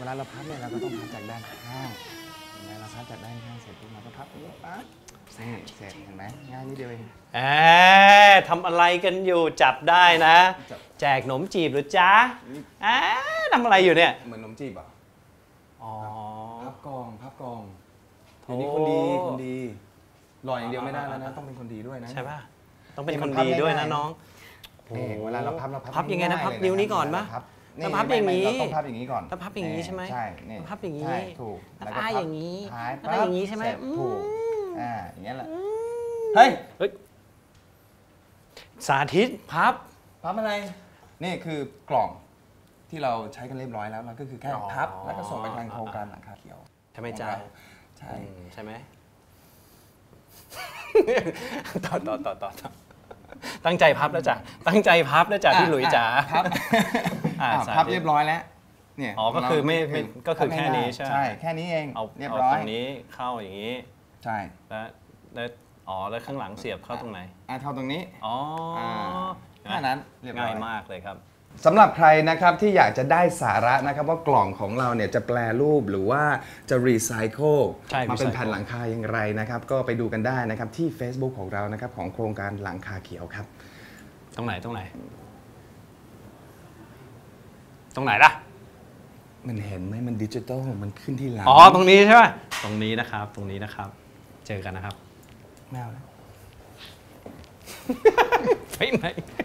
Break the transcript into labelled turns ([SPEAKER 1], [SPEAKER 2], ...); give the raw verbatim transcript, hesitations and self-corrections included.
[SPEAKER 1] วลาเราพับเนี่ยเราก็ต้องพับจากด้านข้างเห็นไหมเราพับจากด้านข้างเสร็จปุ๊บเราก็พับอย่างนี้ปั๊บนี่เสร็จเห็นไหมง่ายนิดเดียวเอง
[SPEAKER 2] แอบทำอะไรกันอยู่จับได้นะแจกขนมจีบหรือจ๊ะแอบทำอะไรอยู่เนี่ย
[SPEAKER 1] เหมือนขนมจีบอ่ะ
[SPEAKER 2] อ๋อ
[SPEAKER 1] พับกองพับกองเดี๋ยวนี้คนดีคนดีหล่ออย่างเดียวไม่ได้แล้วนะต้องเป็นคนดีด้วยนะ
[SPEAKER 2] ใช่ป่ะต้องเป็นคนดีด้วยนะน้อง
[SPEAKER 1] เวลาเราพับเรา
[SPEAKER 2] พับยังไงนะพับนิ้วนี้ก่อนปะ
[SPEAKER 1] เราพับอย่างนี้เราต้องพับอย่างนี้ก่อน
[SPEAKER 2] แล้วพับอย่างนี้ใช่ไหม
[SPEAKER 1] ใช่นี่
[SPEAKER 2] พับอย่างนี้
[SPEAKER 1] ถูก
[SPEAKER 2] แล้วก็อย่างนี้
[SPEAKER 1] แล้ว
[SPEAKER 2] ก็อย่างนี้ใช่ไหม
[SPEAKER 1] ถูกอ่าอย่างนี้แหละเฮ้ย
[SPEAKER 2] สาธิตพับ
[SPEAKER 1] พับอะไรนี่คือกล่องที่เราใช้กันเรียบร้อยแล้วเราก็คือแค่พับแล้วก็ส่งไปทางโครงการหลังคาเขียว
[SPEAKER 2] ใช่ไหมจ๊ะ
[SPEAKER 1] ใช่
[SPEAKER 2] ใช่ไหมต่อต่อต่อต่อตั้งใจพับแล้วจ้ะตั้งใจพับแล้วจ้ะพี่หลุยจ๋า
[SPEAKER 1] พับพับเรียบร้อยแล้ว
[SPEAKER 2] เนี่ยอ๋อก็คือไม่ก็คือแค่นี้ใช่
[SPEAKER 1] ใช่แค่นี้เอง
[SPEAKER 2] เอา
[SPEAKER 1] เรียบร้อย
[SPEAKER 2] ตรงนี้เข้าอย่างนี้
[SPEAKER 1] ใช่
[SPEAKER 2] แล้วแล้วอ๋อแล้วข้างหลังเสียบเข้าตรงไหน
[SPEAKER 1] อ่าเข้าตรงนี้
[SPEAKER 2] อ๋อ
[SPEAKER 1] แค่นั้น
[SPEAKER 2] ง่ายมากเลยครับ
[SPEAKER 1] สำหรับใครนะครับที่อยากจะได้สาระนะครับว่ากล่องของเราเนี่ยจะแปลรูปหรือว่าจะรีไซเคิลมาเป็นแผ่นหลังคาอย่างไรนะครับก็ไปดูกันได้นะครับที่ Facebook ของเรานะครับของโครงการหลังคาเขียวครับ
[SPEAKER 2] ตรงไหนตรงไหนตรงไหนล่ะ
[SPEAKER 1] มันเห็นไหมมันดิจิตอลมันขึ้นที่หลัง
[SPEAKER 2] อ๋อตรงนี้ใช่ไหมตรงนี้นะครับตรงนี้นะครับเจอกันนะครับ
[SPEAKER 1] ไม่เอาแล้ว
[SPEAKER 2] ไปไหน